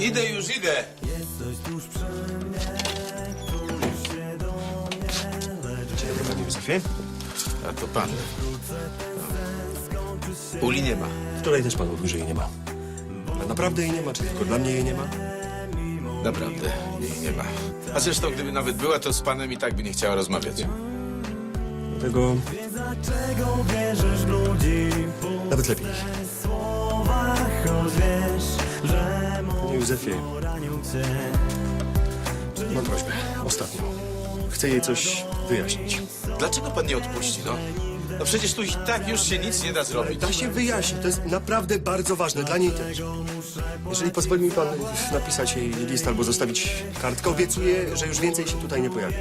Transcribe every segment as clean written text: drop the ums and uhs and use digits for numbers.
Idę już, idę. Dzień dobry, panie Józefie. A to pan. Uli nie ma. Wczoraj też pan mówił, że jej nie ma. Ale naprawdę jej nie ma, czy tylko dla mnie jej nie ma? Naprawdę, jej nie ma. A zresztą, gdyby nawet była, to z panem i tak by nie chciała rozmawiać. Dlatego... Nawet lepiej. Panie Józefie, mam prośbę, ostatnią. Chcę jej coś wyjaśnić. Dlaczego pan nie odpuści, no? No przecież tu i tak już się nic nie da zrobić. Da się wyjaśnić, to jest naprawdę bardzo ważne, dla niej też. Jeżeli pozwoli mi pan napisać jej list albo zostawić kartkę, obiecuję, że już więcej się tutaj nie pojawi.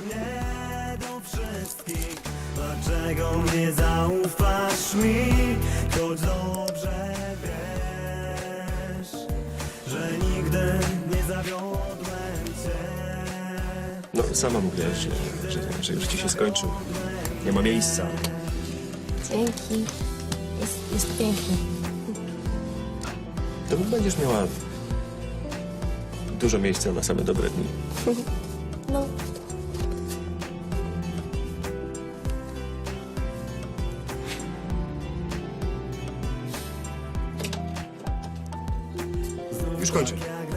Dlaczego nie zaufasz mi, choć dobrze wiesz, że nigdy nie zawiodłem cię. No, sama mówiłaś, że już ci się skończył. Nie ma miejsca. Dzięki. Jest piękny. To będziesz miała dużo miejsca na same dobre dni. No, Już kończę.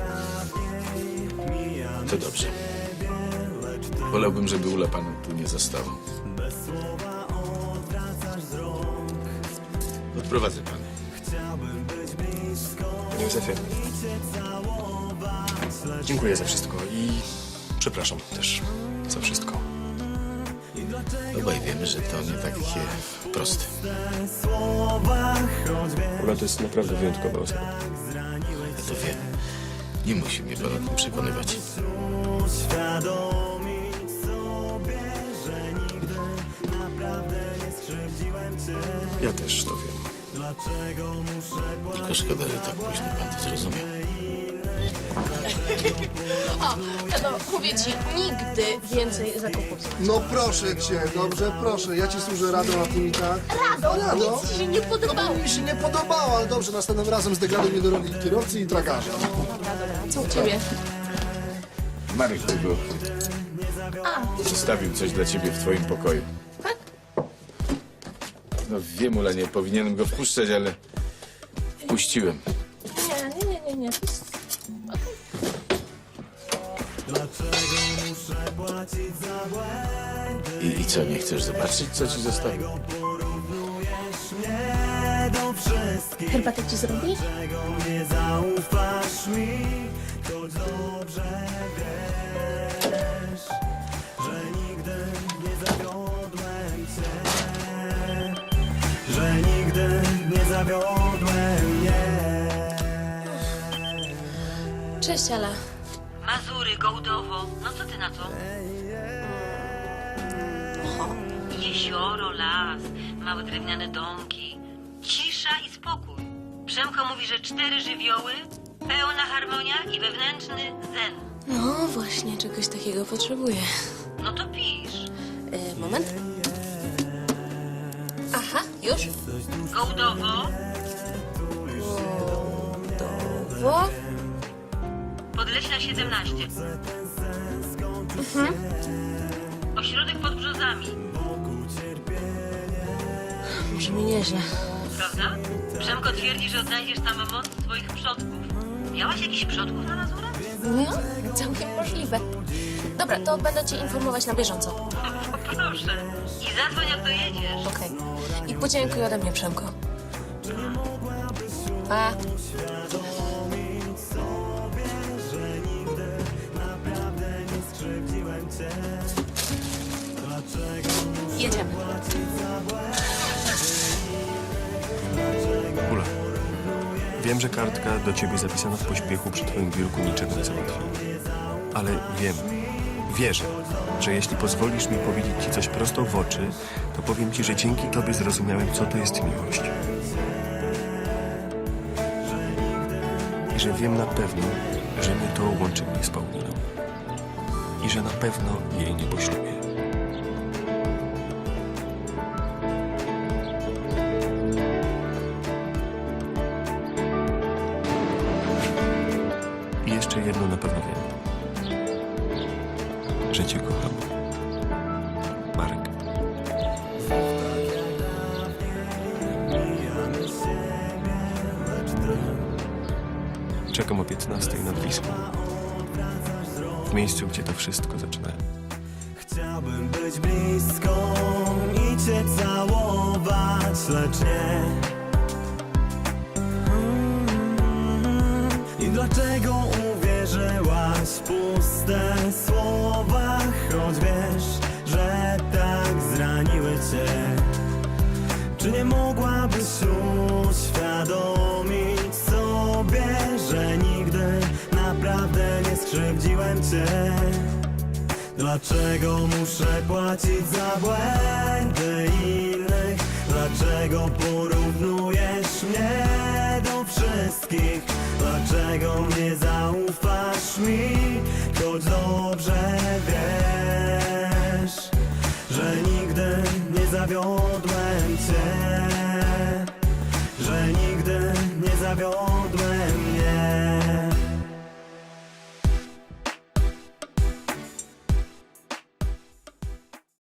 To dobrze. Wolałbym, żeby Ula pana tu nie zastała. Odprowadzę pana. Panie Józefie, dziękuję za wszystko i przepraszam też za wszystko. Obaj wiemy, że to nie takie proste. Ula to jest naprawdę wyjątkowa osoba. Ja to wiem. Nie musi mnie pan o tym przekonywać. Uświadomić sobie, że nigdy naprawdę nie skrzywdziłem cię. Ja też to wiem. Dlaczego muszę Tylko szkoda, że tak późno pan to zrozumiał. o, no mówię ci, nigdy więcej zakupów. No proszę cię, dobrze, proszę. Ja ci służę radą, a ty mi tak. Rado, Rado? nic ci się nie podobało. Mi się nie podobało, ale dobrze, następnym razem zdegraduj mnie do roli kierowcy i tragarza. Co u ciebie? Marek tego zostawił coś dla ciebie w twoim pokoju. Tak? No wiem, Ula, nie powinienem go wpuszczać, ale wpuściłem. Nie. I co, nie chcesz zobaczyć, co ci zostawił? Herbatę ci zrobić? nie zaufasz mi, choć dobrze wiesz, że nigdy nie zawiodłem cię, że nigdy nie zawiodłem nie. Cześć, Ala. Mazury, Gołdowo. No co ty na to? Jezioro, las, małe drewniane domki. Cisza i spokój. Przemko mówi, że 4 żywioły, pełna harmonia i wewnętrzny zen. No właśnie, czegoś takiego potrzebuję. No to pisz. Moment. Aha, już? Gołdowo, Wo? Podleśna 17. Ośrodek pod Brzozami, Brzmi nieźle. prawda? Przemko twierdzi, że odnajdziesz tam moc swoich przodków. Miałaś jakichś przodków na Mazurach? No, całkiem możliwe. Dobra, to będę cię informować na bieżąco. Proszę. I zadzwoń, jak dojedziesz. Okej. I podziękuj ode mnie, Przemko. Pa. Jedziemy. Ula, wiem, że kartka do ciebie zapisana w pośpiechu przy twoim biurku niczego nie załatwi. Ale wierzę, że jeśli pozwolisz mi powiedzieć ci coś prosto w oczy, to powiem ci, że dzięki tobie zrozumiałem, co to jest miłość. I że wiem na pewno, że nie to łączy mnie z Pauliną. I że na pewno jej nie poślubię. że cię kocham. Marek. Czekam o 15 nad Wisłą. W miejscu, gdzie to wszystko zaczynałem. Chciałbym być blisko i cię całować, lecz nie. I dlaczego uwierzyłaś w puste słowa, choć wiesz, że tak zraniły cię? Czy nie mogłabyś uświadomić sobie, że nigdy naprawdę nie skrzywdziłem cię? Dlaczego muszę płacić za błędy innych? Dlaczego porównujesz mnie do wszystkich? Dlaczego nie zaufasz mi, choć dobrze wiesz, że nigdy nie zawiodłem cię, że nigdy nie zawiodłem, nie.